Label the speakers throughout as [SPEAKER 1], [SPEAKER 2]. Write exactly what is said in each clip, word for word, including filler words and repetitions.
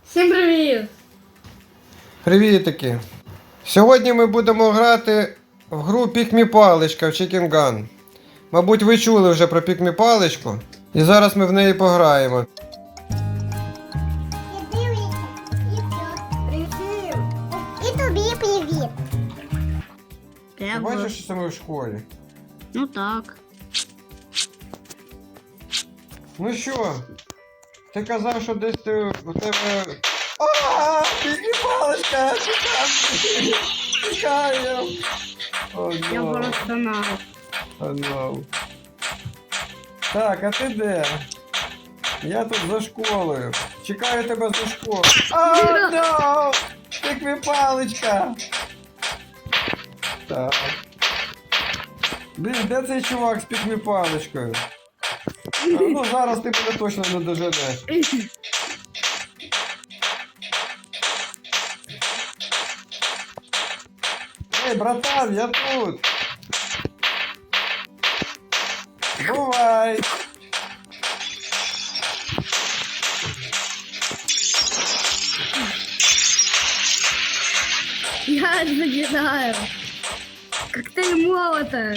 [SPEAKER 1] Всім привіт!
[SPEAKER 2] Привітики! Сьогодні ми будемо грати в гру Пікмі Паличка в Chicken Gun. Мабуть, ви чули вже про Пікмі Паличку. І зараз ми в неї пограємо.
[SPEAKER 3] І тобі привіт.
[SPEAKER 2] Ти бачиш, що це ми в школі?
[SPEAKER 1] Ну так.
[SPEAKER 2] Ну що? Ти казав, що десь ти у тебе... Ааа! Пікмі Паличка! Чекай! Чекаю! О,
[SPEAKER 1] Я
[SPEAKER 2] no.
[SPEAKER 1] просто на.
[SPEAKER 2] О, no. Так, а ти де? Я тут за школою. Чекаю тебе за школою. О, no! Пікмі Паличка! Так. Блін, де цей чувак з Пікмі Паличкою? А, ну зараз ти мене точно не доженеш. Ей, братан, я тут. Бувай.
[SPEAKER 1] Я загинаю. Коктейль молота.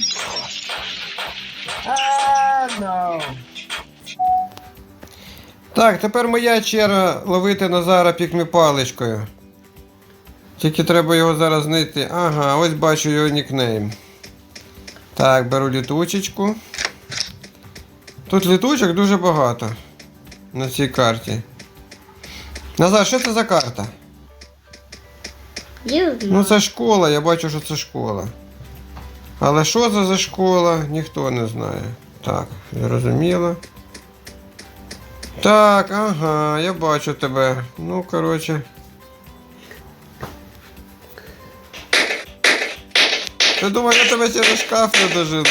[SPEAKER 2] А, no. Так, тепер моя черга ловити Назара Пікмі Паличкою. Тільки треба його зараз знайти. Ага, ось бачу його нікнейм. Так, беру літучечку. Тут літучок дуже багато на цій карті. Назар, що це за карта? Ну це школа, я бачу, що це школа. Але що це за школа, ніхто не знає. Так, зрозуміло. Так, ага, я бачу тебе. Ну, коротше. Ти думав, я тебе через шкаф не дожину?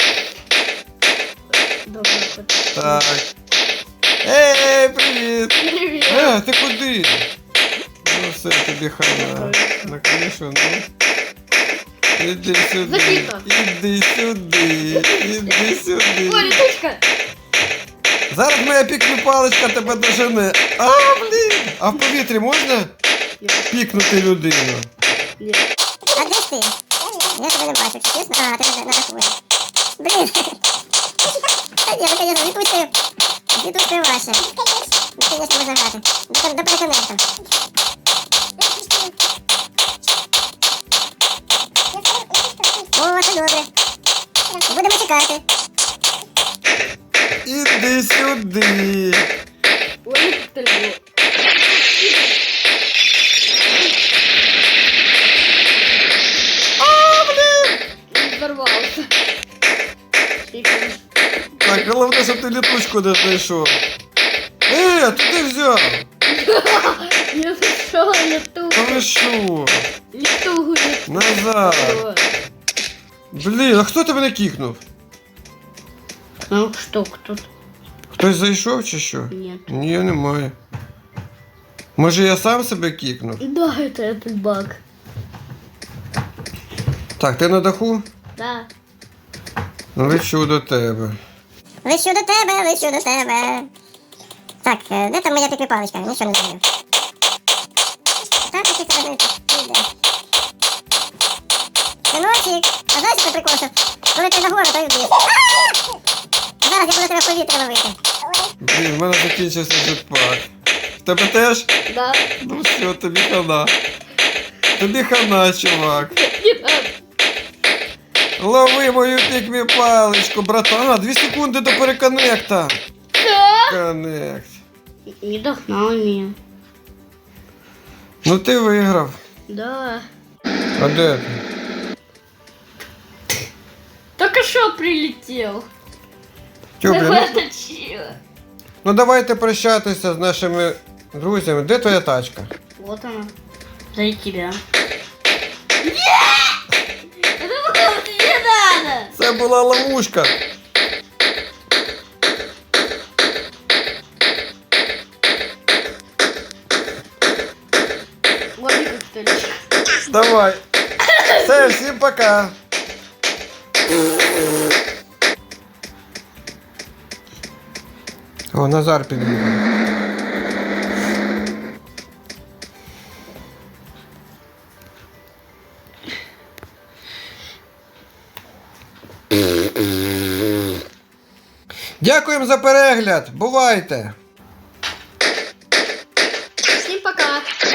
[SPEAKER 1] Добре.
[SPEAKER 2] Так. Ей, привіт!
[SPEAKER 1] Привіт!
[SPEAKER 2] Е, ти куди? Ну все, тобі хана. На кришу, ну. Іди сюди.
[SPEAKER 1] Закрито.
[SPEAKER 2] Іди сюди. Іди сюди.
[SPEAKER 1] Ой, літучка!
[SPEAKER 2] Зараз моя Пікмі Паличка тебе дожене. А, блін! А в повітрі можна пікнути людину?
[SPEAKER 1] Ні.
[SPEAKER 3] А де ж ти? Я тебе не бачу, чесно? А, ти на даху. Блін. Та ні, ну, конечно, літучка. Літучка ваша. Ну, конечно, можна грати. До, до переконекту. О, це добре. Будемо чекати.
[SPEAKER 2] Іди сюди.
[SPEAKER 1] Ой, коктейль.
[SPEAKER 2] А, блін!
[SPEAKER 1] Взорвався.
[SPEAKER 2] Так, головне, щоб ти літучку не знайшов. Е, ти де взяв?
[SPEAKER 1] Я зайшов
[SPEAKER 2] Та
[SPEAKER 1] літугу.
[SPEAKER 2] ви що?
[SPEAKER 1] Літугу.
[SPEAKER 2] Назад. Блін, а хто тебе не кікнув?
[SPEAKER 1] Ну що, хто?
[SPEAKER 2] Хтось зайшов чи що?
[SPEAKER 1] Ні.
[SPEAKER 2] Ні, немає. Може я сам себе кікнув?
[SPEAKER 1] Да, это этот баг.
[SPEAKER 2] Так, ти на даху?
[SPEAKER 1] Да.
[SPEAKER 2] Лечу до тебе.
[SPEAKER 3] Лечу до тебе, лечу до тебе. Так, е, де там моя Пікмі Паличка? Нічого не знаю. Так, я тебе знайти. Іде. Синочек, а знаєш, що прикол, що коли ти нагору, то й вб'єш. А! Зараз я буду тебе в повітря ловити.
[SPEAKER 2] Блін, в мене закінчився jetpack. В тебе теж?
[SPEAKER 1] Да.
[SPEAKER 2] Ну все, тобі хана. Тобі хана, чувак.
[SPEAKER 1] Не надо.
[SPEAKER 2] Лови мою Пікмі Паличку, братан. А, дві секунди до переконекта. Коннект.
[SPEAKER 1] Не догнал меня.
[SPEAKER 2] Ну ти виграв.
[SPEAKER 1] Да.
[SPEAKER 2] А де ти?
[SPEAKER 1] Только что прилетел.
[SPEAKER 2] Тьо, блін, ну,
[SPEAKER 1] Вытащила.
[SPEAKER 2] ну давайте прощатися з нашими друзями. Де твоя тачка?
[SPEAKER 1] Вот она. За тебя. Нет! Это было не надо!
[SPEAKER 2] Це була ловушка.
[SPEAKER 1] Лови коктейль.
[SPEAKER 2] Давай. Все, всім пока. О, Назар підбігає. Дякуємо за перегляд. Бувайте!
[SPEAKER 1] Всім пока.